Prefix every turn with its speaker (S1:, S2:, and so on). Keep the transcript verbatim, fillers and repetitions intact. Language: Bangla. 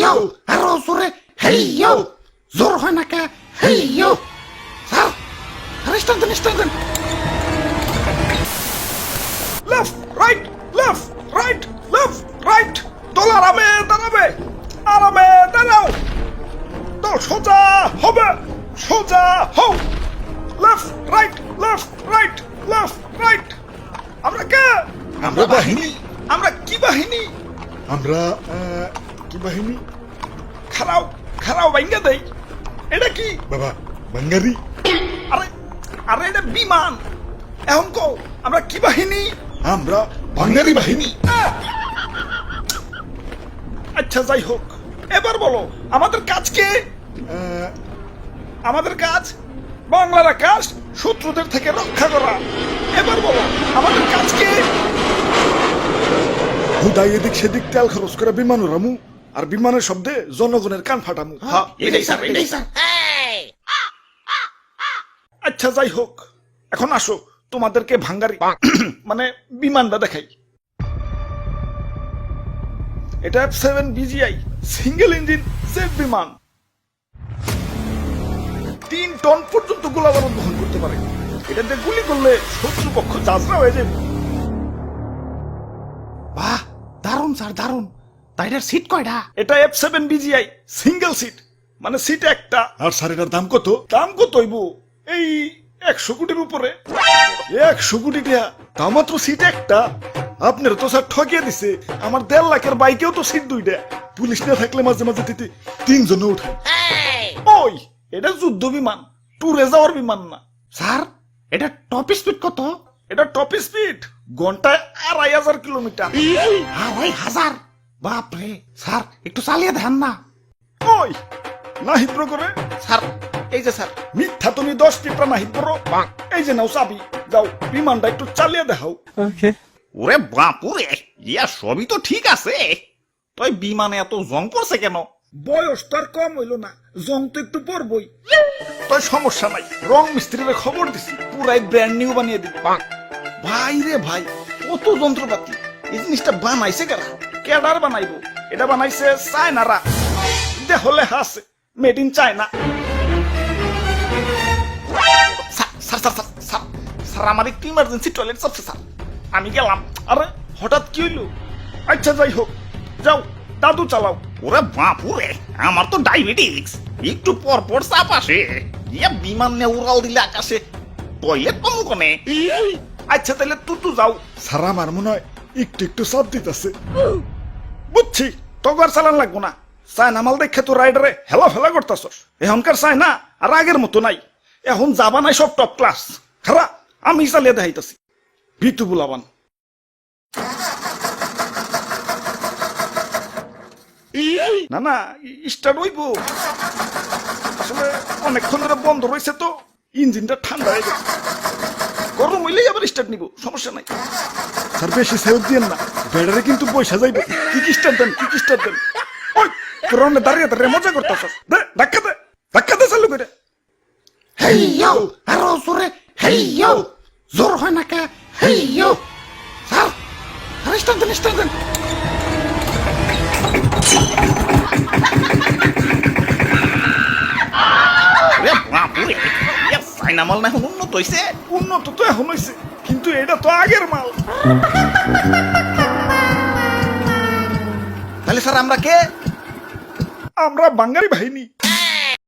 S1: ইয়ো আরো জোরে হেই ইয়ো জোর হয় না কে হেই ইয়ো স্যার আরে স্টান দেন স্টান দেন
S2: left right left right left right দল আরামে দাঁড়াবে আরামে দাঁড়াও দল সোজা হবে সোজা হও left right left right left right আমরা কে
S3: আমরা বাহিনী
S2: আমরা কি বাহিনী
S3: আমরা আহ, কি বাহিনী
S2: খারাও খারাও ভাঙ্গা দেই এটা কি
S3: বাবা বাঙ্গারি
S2: আরে আরে এটা বিমান এখন কও আমরা কি বাহিনী
S3: আমরা বাঙ্গারি বাহিনী
S2: আচ্ছা যাই হোক এবার বলো আমাদের কাজ কি
S3: আহ,
S2: আমাদের কাজ বাংলার আকাশ শত্রুদের থেকে রক্ষা করা এবার বলো আমাদের কাজ কি
S3: হুদাই এদিক সেদিক তেল খরচ করে বিমান উড়ামু আর বিমানের শব্দে জনগণের কান ফাটামু
S2: হ্যাঁ,
S1: এটাই স্যার এটাই স্যার
S2: আচ্ছা যাই হোক এখন আসো তোমাদেরকে ভাঙ্গারি মানে বিমানটা দেখাই এটা F seven BGI single engine jet বিমান তিন টন পর্যন্ত গোলাবারুদ বহন করতে পারে এটাতে গুলি করলে শত্রুপক্ষ যাত্রা হয়ে যাবে
S1: বাহ দারুন স্যার দারুন তাইটার সিট কয়টা
S2: এটা F seven BGI single seat মানে সিট একটা
S3: আর স্যার এটার দাম কত
S2: দাম কত হইব এই একশো কোটির উপরে
S3: একশো কোটি টাকা তা মাত্র সিট একটা আপনার তো স্যার ঠকিয়ে দিছে আমার দেড় লাখের বাইকেও তো সিট দুইটা পুলিশ না থাকলে মাঝে মাঝে তিতে তিনজনে উঠে
S2: ওই এটা যুদ্ধ বিমান ট্যুরে যাওয়ার বিমান না
S1: স্যার এটা টপ স্পিড কত
S2: এটা টপ স্পিড ঘন্টায় আড়াই হাজার কিলোমিটার
S1: আড়াই হাজার বাপরে স্যার একটু চালিয়ে দেন না
S2: ওই না হিদ্র করে
S1: স্যার এই যে স্যার
S2: মিথ্যা তুমি দশ টিপটা না হিদ্র এই যে নাও চাবি যাও বিমানটা একটু চালিয়ে দেখাও
S4: ওরে বাপুরে ইয়া সবই তো ঠিক আছে তুই বিমানে এত জং পড়ছে কেন
S2: বয়স তো আর কম হইল না জং তো একটু পরবই তাই সমস্যা নাই রং মিস্ত্রির খবর দিছি পুরাই ব্র্যান্ড নিউ বানিয়ে দিবি ভাই রে ভাই কত যন্ত্রপাতি এই জিনিসটা বানাইছে কারা কেডার বানাইবো এটা বানাইছে চায়নারা দেহলে হাসে made in China sir sir sir sir sir sir আমার একটু ইমার্জেন্সি টয়লেট চাপছে স্যার আমি গেলাম আরে হঠাৎ কি হইলো আচ্ছা যাই হোক যাও দাদু চালাও
S4: ওরে বাপুরে আমার তো ডায়াবেটিস একটু পর পর চাপ আসে ইয়া বিমান নিয়ে উড়াল দিলে আকাশে টয়লেট পাবো কোনে
S2: আচ্ছা তাহলে তুতু যাও
S3: স্যার আমার মনে হয় একটু একটু চাপ দিতেছে
S2: বুঝছি তগর চালান লাগবো না চায়না মাল দেখে তো রাইডারে হেলা ফেলা করতাছস এখনকার চায়না আর আগের মতো নাই এখন যাবা নাই সব টপ ক্লাস খারা আমি চালিয়ে দেখাইতাছি ভিতু বুলাবান না না স্টার্ট হইব আসলে অনেকক্ষণ ধরে বন্ধ রয়েছে তো ইঞ্জিনটা ঠান্ডা হয়ে গেছে গরম হইলেই আবার স্টার্ট নিব সমস্যা নাই
S3: স্যার বেশি সেলফ দিয়েন না ব্যাটারি কিন্তু পয়সা যাইবে
S2: কি কি স্টার্ট দেন কি কি স্টার্ট দেন ওই পুরনো দাঁড়িয়ে দাঁড়িয়ে মজা করতেছস দে ধাক্কা দে ধাক্কা দে চালু করে
S1: হেই ইয়ো আরো জোরে হেই ইয়ো জোর হয় না কে হেই ইয়ো স্যার আরে স্টান দেন স্টান দেন
S4: ওরে বাপুরে ইয়া চাইনা মাল না এখন উন্নত হইছে
S2: উন্নত তো এখন হয়েছে কিন্তু এটা তো আগের মাল
S4: তাহলে স্যার আমরা কে
S2: আমরা বাঙালি বাহিনী